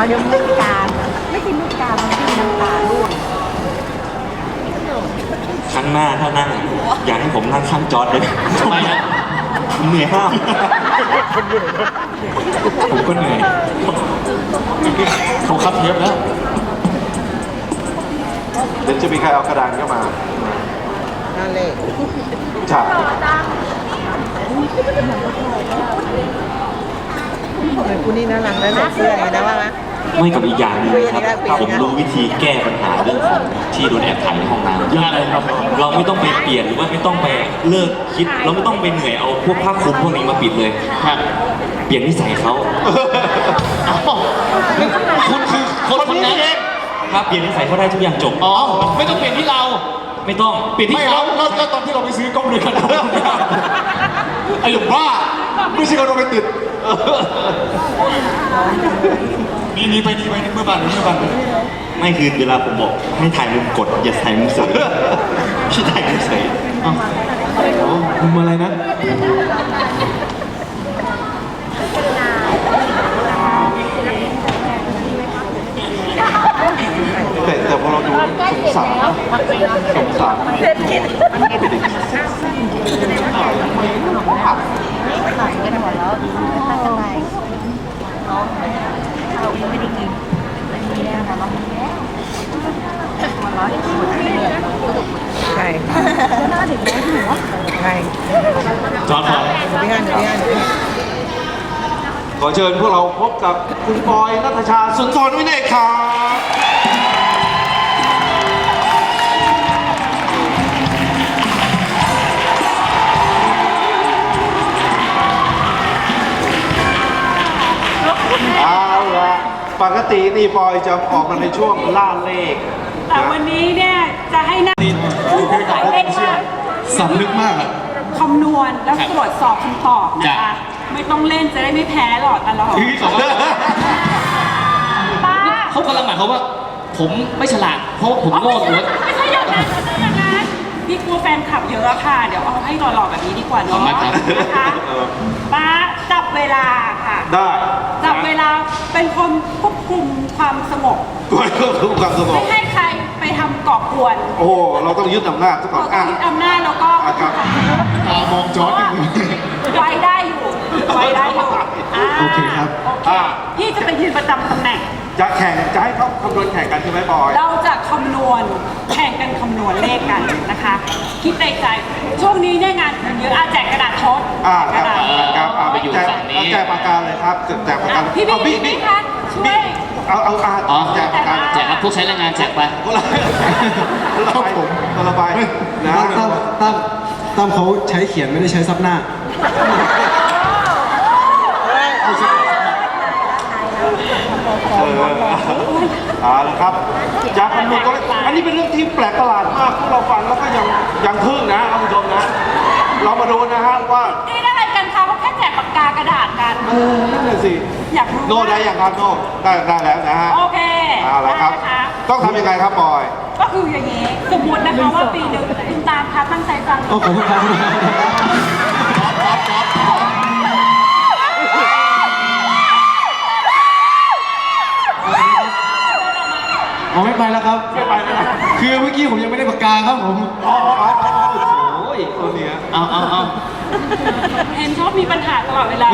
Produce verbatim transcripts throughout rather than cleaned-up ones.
เดี๋ยวไม่มีการไม่กินลูกกามันกินน้ำตาล่วงครั้งหน้าถ้านั่งอยากให้ผมนั่งข้างจอร์ดเลยทำไมฮะเหนื่อยห้ามผมก็เหนื่อยเขาคัดเทปแล้วเดี๋ยวจะมีใครเอากระดานเข้ามานั่นเลยใช่คุณนี่น่ารักนะเสื้ออย่างนี้นะว่าไหมไม่กับอีกอย่างนึงครับผมรู้วิธีแก้ปัญหาเรื่องของที่โดนแอบถ่ายในห้องน้ำยากเลยครับเราไม่ต้องไปเปลี่ยนหรือว่าไม่ต้องไปเลิกคิดเราไม่ต้องไปเหนื่อยเอาพวกผ้าคลุมพวกนี้มาปิดเลยครับเปลี่ยนนิสัยเขาคุณคือคนคนนั้นครับเปลี่ยนนิสัยเขาได้ทุกอย่างจบอ๋อไม่ต้องเปลี่ยนที่เราไม่ต้องเปลี่ยนที่เขาแล้วตอนที่เราไปซื้อกล้องเลยกันไอ้หลุมบ้าไม่ใช่คนเราไปติดนี่นี่ไปนี่ไปนี่เมื่อบันเมื่อบันไม่คือเวลาผมบอกให้ถ่ายมุมกดอย่าถ่ายมุมเสยพี่ถ่ายมุมเสยมุมอะไรนะแต่แต่พอเราดูสงสารสงสารเศรษฐกิจมันเด็กขับขายกันหมดแล้วถ้าจะไปน้องเราไม่ได้กินไม่มีแล้วนะน้องมันร้อนใช่หน้าเด็กน้อยหัวใช่จอดก่อนพี่ฮันพี่ฮันขอเชิญพวกเราพบกับคุณปอยณัฐชาสุนทรวินัยครับเอาละปกตินี่ปอยจะออกมาในช่วงล่าเลขแต่วันนี้เนี่ยจะให้นักเล่นมากสำนึกมากอะคำนวณแล้วตรวจสอบคำตอบนะคะไม่ต้องเล่นจะได้ไม่แพ้หลอดตลอดป้าเขากำลังหมายเขาว่าผมไม่ฉลาดเพราะผมโง่หรือไม่ใช่อย่างนั้นไม่ใช่อย่างนั้นพี่กลัวแฟนคลับเยอะค่ะเดี๋ยวเอาให้หล่อๆแบบนี้ดีกว่าเนาะนะคะป้าจับเวลาค่ะได้จับเวลาเป็นคนควบคุมความสงบควบคุมความสงบไม่ให้ใครไปทำก่อกวนโอ้เราต้องยึดอำนาจซะก่อนเราต้องยึดอำนาจแล้วก็ตามองจอร์ดไว้ได้อยู่ไว้ได้อยู่โอเคครับพี่จะไปยืนประจำตำแหน่งจะแข่งจะให้เขาคำนวณแข่งกันใช่ไหมบอยเราจะคำนวณแข่งกันคำนวณเลขกันนะคะคิดในใจช่วงนี้เนี่ยงานเยอะอาแจกกระดาษทดอ่าครับครับอ่าไปอยู่ฝั่งนี้แจกปากกาเลยครับแจกปากกาพี่พี่พี่คะช่วยเอาเอาอ่าแจกปากกาแจกครับพวกใช้แรงงานแจกไปคนละคนละใบคนละใบนะตั้มตั้มตั้มเขาใช้เขียนไม่ได้ใช้ซับหน้าเอาละครับจากคำนวณตัวเลขอันนี้เป็นเรื่องที่แปลกประหลาดมากพวกเราฟังแล้วก็ยังยังทึ่งนะท่านผู้ชมนะเรามาดูนะฮะว่านี่อะไรกันคะเขาแค่แจกปากกากระดาษกันเออนั่นแหละสิอยากรู้โน้ได้ยังครับโน้ได้ได้แล้วนะฮะโอเคเอาละครับต้องทำยังไงครับบอยก็คืออย่างนี้สมมตินะคะว่าปีหนึ่งคุณตามคะตั้งใจฟังขอบคุณครับอ๋อไม่ไปแล้วครับไม่ไปแล้วคือเมื่อกี้ผมยังไม่ได้ปากกาครับผมอ๋ออ๋อโอ้ยตัวเนี้ยเอาเอาเอาเห็นชอบมีปัญหาตลอดเวลา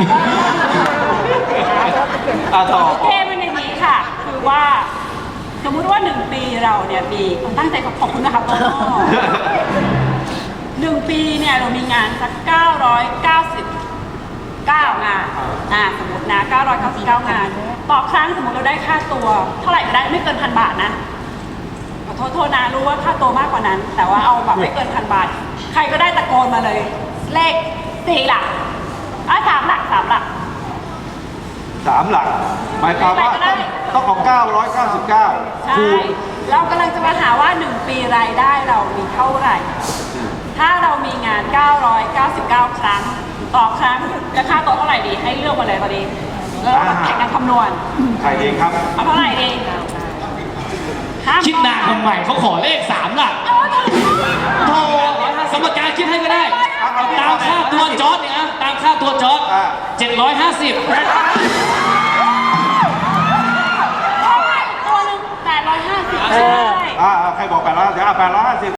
ต่อโอเคมันในนี้ค่ะคือว่าสมมุติว่าหนึ่งปีเราเนี่ยมีตั้งใจขอบคุณนะครับโตโน่หนึ่งปีเนี่ยเรามีงานสักเก้าร้อยเก้าสิบเก้างานอ่าสมมตินะเก้าร้อยเก้าสิบเก้างานต่อครั้งสมมติเราได้ค่าตัวเท่าไหร่ก็ได้ไม่เกินพันบาทนะขอโทษโทษนะรู้ว่าค่าตัวมากกว่านั้นแต่ว่าเอาแบบไม่เกินพันบาทใครก็ได้ตะโกนมาเลยเลขสี่หลักอ่ะสามหลักสามหลักสามหลักหมายความว่าต้องของเก้าร้อยเก้าสิบเก้าใช่เรากำลังจะมาหาว่าหนึ่งปีรายได้เรามีเท่าไหร่ถ้าเรามีงานเก้าร้อยเก้าสิบเก้าครั้งต่อครั้งจะค่าตัวเท่าไหร่ดีให้เลือกมาเลยตอนนี้แล้วมาแข่งกันคำนวณใครเองครับเอาเท่าไหร่ดีคิดนานทำไมเขาขอเลขสามหลักโทรสมการคิดให้ก็ได้ตามค่าตัวจอร์ดเนี่ยตามค่าตัวจอร์ดเจ็ดร้อยห้าสิบอ่าใครบอกแปดร้อยห้าสิบอ่าแปดร้อยห้าสิบ